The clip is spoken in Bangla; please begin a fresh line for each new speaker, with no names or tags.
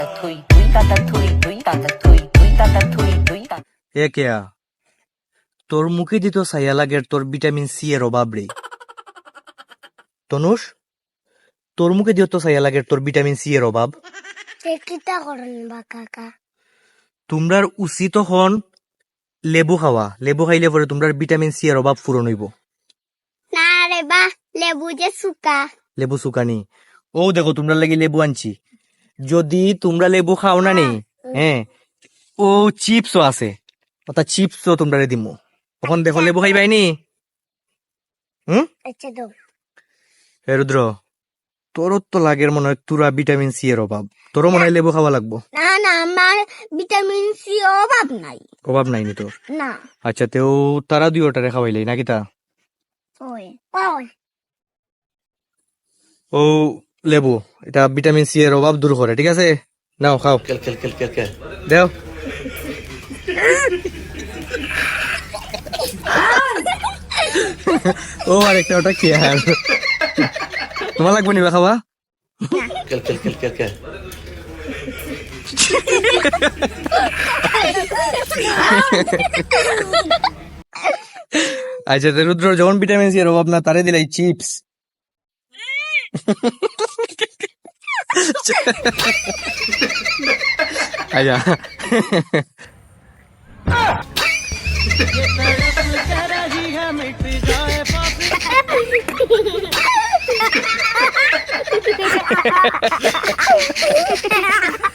এ কেয়া তোর মুখে দিত সাইয়া লাগে তোর ভিটামিন সি এর অভাব রে। তনুষ তোর মুখে দিও তো সাইয়া লাগে তোর ভিটামিন সি এর অভাব।
কিতা করেন বা কাকা?
তোমরার উচিত হন লেবু খাওয়া, লেবু খাইলে পরে তোমরার ভিটামিন সি এর অভাব পূরণ হইব।
না রে বা, লেবু যে সুকা।
লেবু সুকানি ও দেখো তোমরা লাগি লেবু আনছি, যদি তোমরা লেবু খাও না নি হ্যাঁ ও চিপসও আছে, অর্থাৎ চিপসও তোমরা দিমু, তখন দেখো লেবু খাইবাইনি।
আচ্ছা তো
হে রুদ্র তোর তো লাগের মনে হয় তুরা ভিটামিন সি এর অভাব, তোরও মনে হয় লেবু খাওয়া লাগবো।
না না, আমার ভিটামিন সি অভাব নাই।
অভাব নাইনি তোর?
না।
আচ্ছা তেও তারা দুই ওটারে খাওয়াইলাই নাকি তা?
ওই ওই
ও লেবু এটা ভিটামিন সি এর অভাব দূর করে, ঠিক আছে নাও খাও। দেও ও আরেকটা ওটা কি আর তোমার লাগবে নিবা খাওয়া? আচ্ছা রুদ্র যখন ভিটামিন সি এর অভাব না তারে দিলাই চিপস। আচ্ছা
Ha ha ha ha!